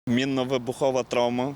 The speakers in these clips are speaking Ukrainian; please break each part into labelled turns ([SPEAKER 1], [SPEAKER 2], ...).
[SPEAKER 1] Мінно-вибухова травма,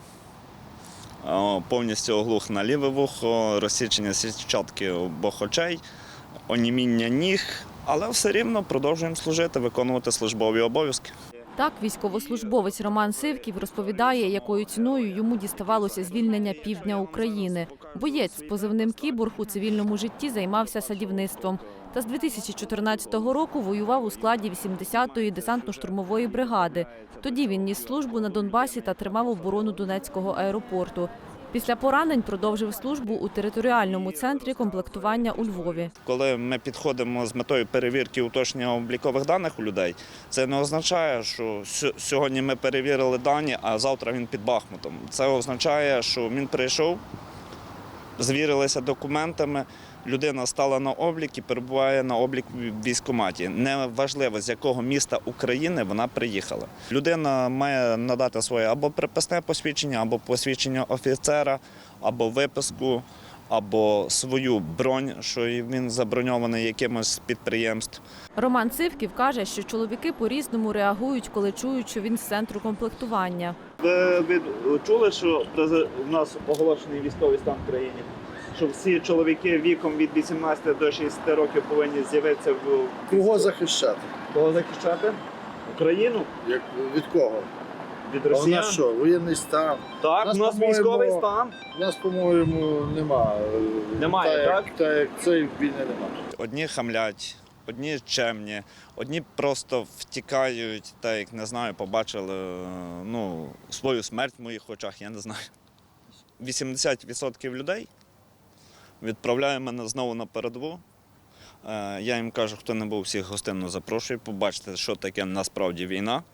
[SPEAKER 1] повністю оглух на ліве вухо, розсічення сітчатки обох очей, оніміння ніг, але все рівно продовжуємо служити, виконувати службові обов'язки.
[SPEAKER 2] Так, військовослужбовець Роман Сивків розповідає, якою ціною йому діставалося звільнення півдня України. Боєць з позивним «Кіборг» у цивільному житті займався садівництвом. Та з 2014 року воював у складі 80-ї десантно-штурмової бригади. Тоді він ніс службу на Донбасі та тримав оборону Донецького аеропорту. Після поранень продовжив службу у територіальному центрі комплектування у Львові.
[SPEAKER 1] Коли ми підходимо з метою перевірки уточнення облікових даних у людей, це не означає, що сьогодні ми перевірили дані, а завтра він під Бахмутом. Це означає, що він прийшов, звірилися документами, людина стала на облік і перебуває на облік в військкоматі. Неважливо, з якого міста України вона приїхала. Людина має надати своє або приписне посвідчення, або посвідчення офіцера, або виписку, або свою бронь, що він заброньований якимось з підприємств.
[SPEAKER 2] Роман Сивків каже, що чоловіки по-різному реагують, коли чують, що він з центру комплектування.
[SPEAKER 1] Ви чули, що у нас оголошений військовий стан в країні? Що всі чоловіки віком від 18 до 60 років повинні з'явитися в...
[SPEAKER 3] Кого захищати?
[SPEAKER 1] Кого захищати? Україну?
[SPEAKER 3] Від кого?
[SPEAKER 1] Від
[SPEAKER 3] А у
[SPEAKER 1] росіян?
[SPEAKER 3] нас що, воєнний стан?
[SPEAKER 1] Так, у нас військовий стан.
[SPEAKER 3] У нас, по-моєму, немає.
[SPEAKER 1] Немає, так?
[SPEAKER 3] Так, як цієї війни немає.
[SPEAKER 1] Одні хамлять, одні чемні, одні просто втікають, так як, не знаю, побачили свою смерть в моїх очах, я не знаю. 80% людей відправляє мене знову на передову. Я їм кажу, хто не був, всіх гостинно запрошую, побачите, що таке насправді війна.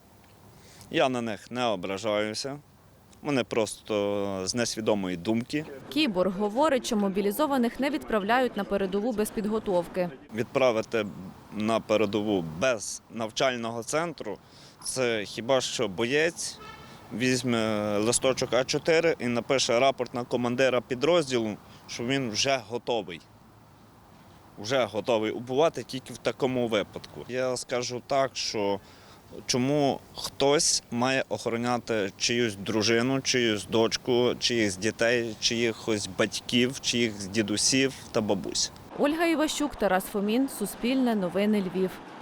[SPEAKER 1] Я на них не ображаюся, вони просто з несвідомої думки.
[SPEAKER 2] Кіборг говорить, що мобілізованих не відправляють на передову без підготовки.
[SPEAKER 1] Відправити на передову без навчального центру – це хіба що боєць візьме листочок А4 і напише рапорт на командира підрозділу, що він вже готовий. Вже готовий убивати тільки в такому випадку. Я скажу так, що чому хтось має охороняти чиюсь дружину, чиюсь дочку, чиїхсь дітей, чиїхось батьків, чиїхсь дідусів та бабусь.
[SPEAKER 2] Ольга Іващук, Тарас Фомін, Суспільне, Новини Львів.